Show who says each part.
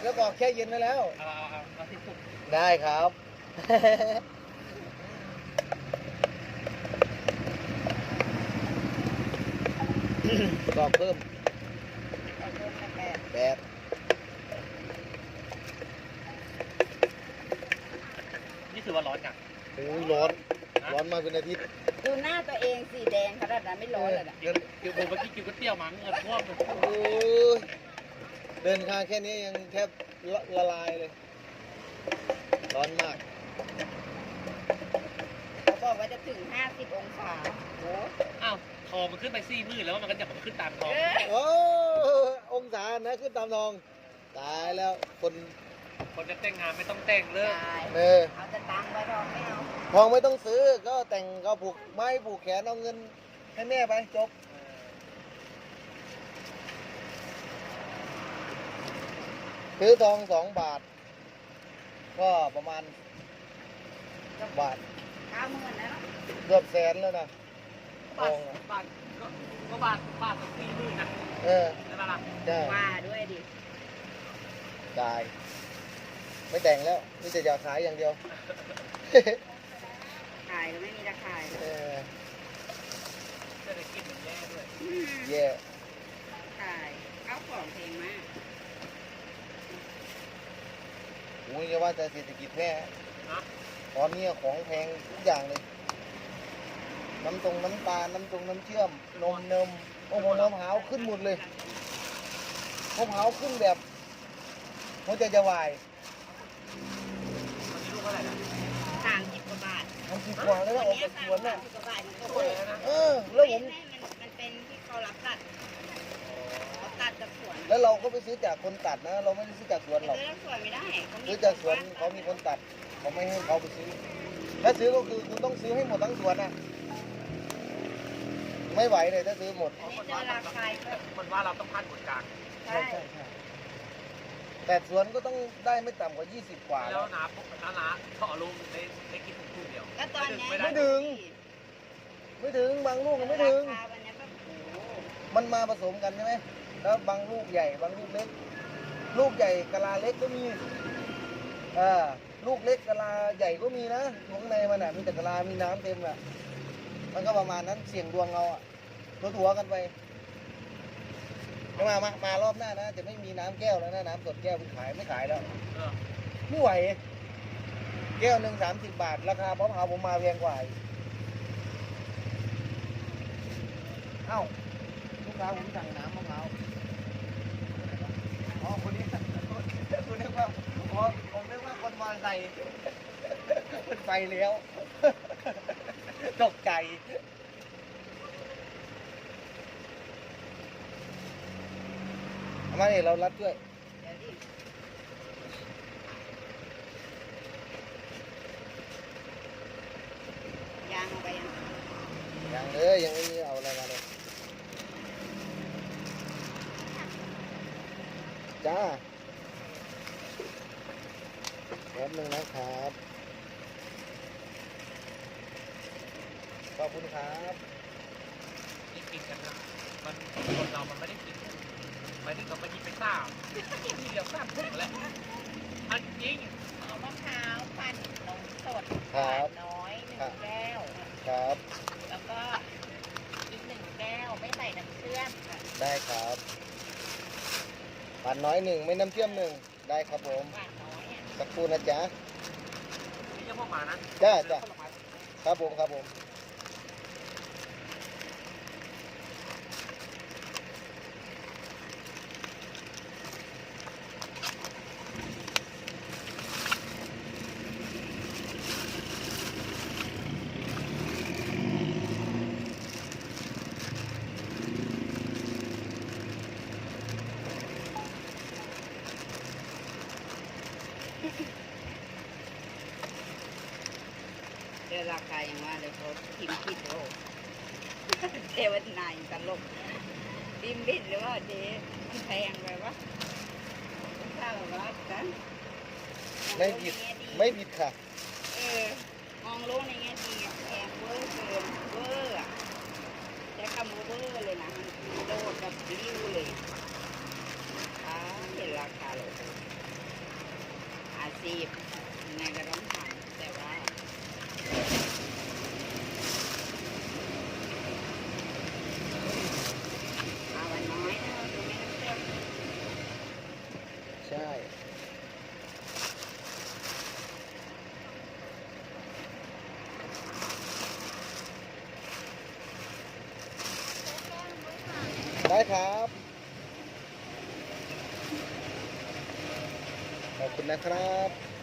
Speaker 1: แล้วบอกแช่เย็นไปแล้ว
Speaker 2: เอาที่สุด
Speaker 1: ได้ครับ บอกเพิ่มแปด
Speaker 2: นี่ถือว่าร้อนจัง
Speaker 1: โอ้ยร้อน ร้อนมาเป็นอาทิตย์
Speaker 3: ดูหน้าตัวเองสีแดงขนาดนั้นไม่ร้อนเลยนะ
Speaker 2: กินผมเมื่อกี้กินก๋วยเตี๋ยวมั้งเงินท่วมเลย
Speaker 1: โอ้ยเดินทางแค่นี้ยังแทบละลายเลย ร้อนมาก
Speaker 3: เขาบอกว่าจะถึง50 องศาโอ้
Speaker 2: อ้าวทองมันขึ้นไป4 มื้อแล้วมันก็จะขึ้นตามทอง
Speaker 1: โอ้องศานะขึ้นตามทอง ตายแล้วคน
Speaker 2: คนจะแต่งงานไม่ต้องแต่งเลิก
Speaker 3: ตาย
Speaker 1: เออ
Speaker 3: เอาแต่ตังค์ไว้ทองไม่เอา
Speaker 1: ทองไม่ต้องซื้อก็แต่งก็ผูกไม้ผูกแขนเอาเงินให้แม่ไปจบ ซื้อทอง2 บาท ก็ประมาณบาท
Speaker 3: 90,000นะเนาะ
Speaker 1: เกือบแสนแล้วนะท
Speaker 2: บา
Speaker 1: อ
Speaker 2: ท
Speaker 1: งอะ
Speaker 2: บาทก็บาทกับ4 มื้อนะ
Speaker 1: เออ
Speaker 2: ใช่ไหมล่ะ
Speaker 1: ใช่
Speaker 3: ว่าด้วยดิ
Speaker 1: ตาย ไม่แต่งแล้วนี่จะอยากขายอย่างเดียว
Speaker 3: ขายก็ไม่มีราคา
Speaker 1: เออ
Speaker 2: จะได้กินมันแย่ด้วย
Speaker 1: แย่
Speaker 3: ขายเอาของแพงมาก
Speaker 1: โอ้ยจะว่าจะเศรษฐกิจแย่
Speaker 2: นะ
Speaker 1: ตอนนี้ของแพงทุกอย่างเลย น้ำน้ำตาลน้ำน้ำเชื่อม นมโอ้โหมะพร้าวขึ้นหมดเลยมะพร้าวขึ้นแบบหัวใจจะวาย
Speaker 2: ตอนนี้ลูกเท่าไหร่นะ
Speaker 3: 30 กว่าบาท
Speaker 1: 30 กว่าแล้วนะออกจากสวนน่ะ
Speaker 3: 30 กว่าบาทมันก็
Speaker 2: โอ้
Speaker 3: โอ้
Speaker 2: ย
Speaker 3: ย
Speaker 2: นะ
Speaker 1: เออ แล้วผม
Speaker 3: มันเป็นที่เขารับตัดเขาตัดจากสวน
Speaker 1: แล้วเราก็ไปซื้อจากคนตัดนะ เราไม่ได้ซื้อจากสวนหรอก
Speaker 3: ซื้อจากสวนไม่ได้เขามี
Speaker 1: ซื้อจากสวนเขามีคนตัด เขาไม่ให้เขาไปซื้อ ถ้าซื้อก็คือคุณต้องซื้อให้หมดทั้งสวนนะไม่ไหวเลยถ้าซื้อหมด
Speaker 3: อันนี้เจอราคาก็
Speaker 2: มันว่าเราต้องพันคนกลาง
Speaker 3: ใช่
Speaker 1: แต่สวนก็ต้องได้ไม่ต่ำกว่า 20 กว่า
Speaker 2: แล้
Speaker 1: แล้ว ว
Speaker 2: น้าต่อลูกได้กินถุงเดียว
Speaker 3: ก็ตอนเนี้ย
Speaker 1: ไม่ถึง ไม่ถึงบางลูกยังไม่ถึง
Speaker 3: ราคาวันเนี้ยก็โอ้โห
Speaker 1: มันมาผสมกันใช่ไหม แล้วบางลูกใหญ่บางลูกเล็ก ลูกใหญ่กะลาเล็กก็มีลูกเล็กกะลาใหญ่ก็มีนะอยู่ข้างในมันอ่ะมีแต่กะลา มีน้ำเต็มอ่ะ มันก็ประมาณนั้นเสี่ยงดวงเราอ่ะถัวๆกันไปมารอบหน้านะจะไม่มีน้ำแก้วแล้วนะน้ำสดแก้วไม่ขายแล้ว
Speaker 2: เออ
Speaker 1: ไม่ไหว แก้วหนึ่ง30 บาท ราคามะพร้าวผมมาแพงกว่าอีกเอ้าลูกค้าผมสั่งน้ำมะพร้าวอ๋อคนนี้คุณนึกว่าอ๋อผมนึกว่าคนมอเตอร์ไซค์มันไปแล้ว ตกใจเอามาเนี่ยเรารับด้วย
Speaker 3: เดี๋ยวดิยางเอาไปยัง
Speaker 1: ยังเลยยังไม่มีเอาอะไรมาเลยจ้าแป๊บนึงนะครับ ขอบคุณครับ
Speaker 2: กินกันนะมันคนเรามันไม่ได้กินหมายถึงเราไปกินไปทีเดียว3 ถุงแหละอันจริง
Speaker 3: เอามะพร้าวปั่นนมสด
Speaker 1: ครับ
Speaker 3: น้อย1 แก้ว
Speaker 1: ครับ
Speaker 3: แล้วก็อีก1 แก้วไม่ใส่น้ำเชื่อมค่ะ
Speaker 1: ได้ครับปั่นน้อยหนึ่งไม่น้ำเชื่อมหนึ่งได้ครับผม
Speaker 3: หวานน้อยอ่ะ
Speaker 1: สักครู่นะจ๊ะ
Speaker 2: นี่ยังพวกมานะ
Speaker 1: จ้าครับผมครับผม
Speaker 3: เจอราคาอย่างว่าเลยเขาพิมพ์ผิดโอ้เทวดาตลกพิมพ์ผิดหรือว่าเจ๊มันแพงไปวะข้าวแบบว่ากัน
Speaker 1: ไม่ผิดไม่ผิดค่ะ
Speaker 3: มองโลกในแง่ดีอะแพงเวอร์เกินเวอร์อะใช้คำว่าเวอร์เลยนะมันโดดแบบริ้วเลยเห็นราคาเลยอาชีพยังไงก็ต้องทำแต่ว่ามาวันน้อยนะดูไม่น้ำเต็ม
Speaker 1: ใช่ได้ครับ ขอบคุณนะครับ